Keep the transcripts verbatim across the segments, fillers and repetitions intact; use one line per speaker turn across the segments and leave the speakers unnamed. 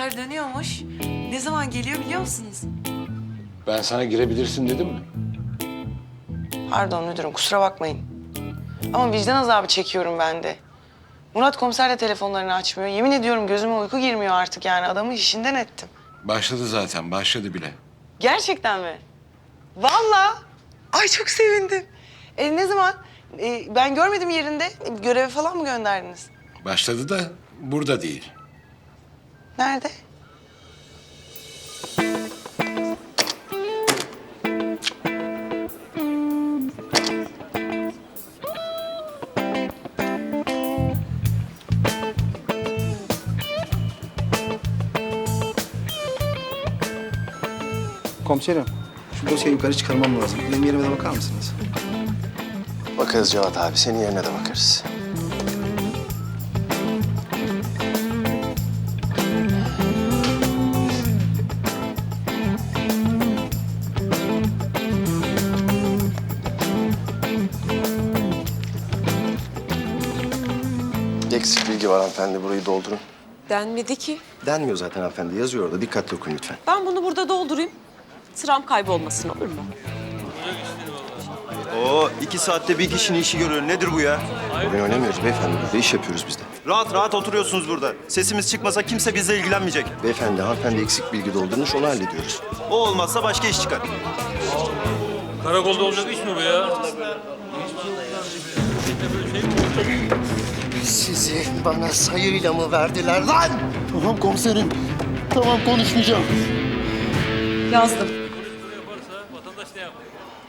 haber dönüyormuş. Ne zaman geliyor biliyor musunuz?
Ben sana girebilirsin dedim mi?
Pardon müdürüm, kusura bakmayın. Ama vicdan azabı çekiyorum ben de. Murat komiser de telefonlarını açmıyor. Yemin ediyorum gözüme uyku girmiyor artık yani. Adamı işinden ettim.
Başladı zaten, başladı bile.
Gerçekten mi? Vallahi. Ay çok sevindim. E, ne zaman? E, ben görmedim yerinde. E, göreve falan mı gönderdiniz?
Başladı da burada değil.
Nerede?
Komiserim, şu dosyayı yukarı çıkarmam lazım. Benim yerime de bakar mısınız?
Bakarız Cevat abi. Senin yerine de bakarız. Eksik bilgi var hanımefendi. Burayı doldurun.
Denmedi ki.
Denmiyor zaten hanımefendi. Yazıyor orada. Dikkatli okuyun lütfen.
Ben bunu burada doldurayım. Sıram kaybolmasın olur mu?
Oo, iki saatte bir kişinin işi görüyor. Nedir bu ya?
Bugün oynamıyoruz beyefendi. Burada iş yapıyoruz biz de.
Rahat rahat oturuyorsunuz burada. Sesimiz çıkmasa kimse bizle ilgilenmeyecek.
Beyefendi, hanımefendi eksik bilgi doldurmuş. Onu hallediyoruz.
O olmazsa başka iş çıkar.
Karakolda olacak iş mi bu ya?
Sizi bana sayıyla mı verdiler lan?
Tamam komiserim. Tamam konuşmayacağım.
Yazdım.
Vatandaş ne yapar?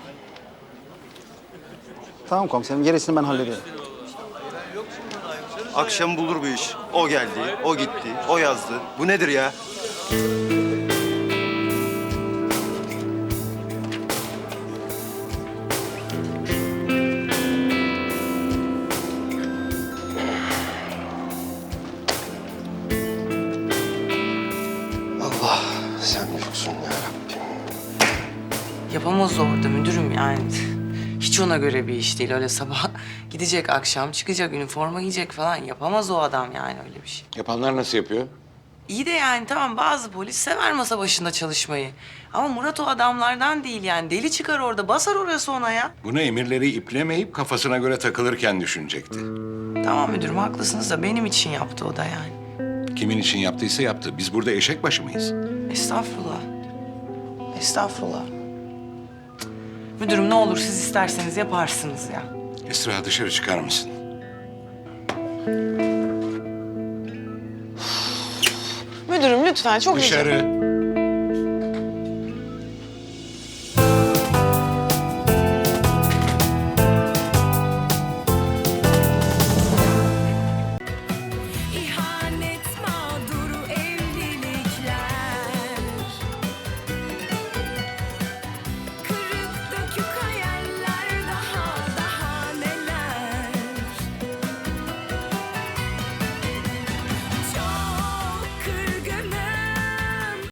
Tamam komiserim, gerisini ben hallederim.
Akşam bulur bu iş. O geldi, o gitti, o yazdı. Bu nedir ya?
Allah, sen büyüksün ya Rabbim.
Yapamaz orada müdürüm yani. Hiç ona göre bir iş değil. Öyle sabah gidecek, akşam çıkacak, üniforma giyecek falan. Yapamaz o adam yani öyle bir şey.
Yapanlar nasıl yapıyor?
İyi de yani tamam bazı polis sever masa başında çalışmayı. Ama Murat o adamlardan değil yani. Deli çıkar orada, basar orası ona ya.
Bunu emirleri iplemeyip kafasına göre takılırken düşünecekti.
Tamam müdürüm haklısınız da benim için yaptı o da yani.
Kimin için yaptıysa yaptı. Biz burada eşek başı mıyız?
Estağfurullah. Estağfurullah. Müdürüm ne olur siz isterseniz yaparsınız ya.
Esra dışarı çıkar mısın?
Müdürüm lütfen çok rica-
Dışarı.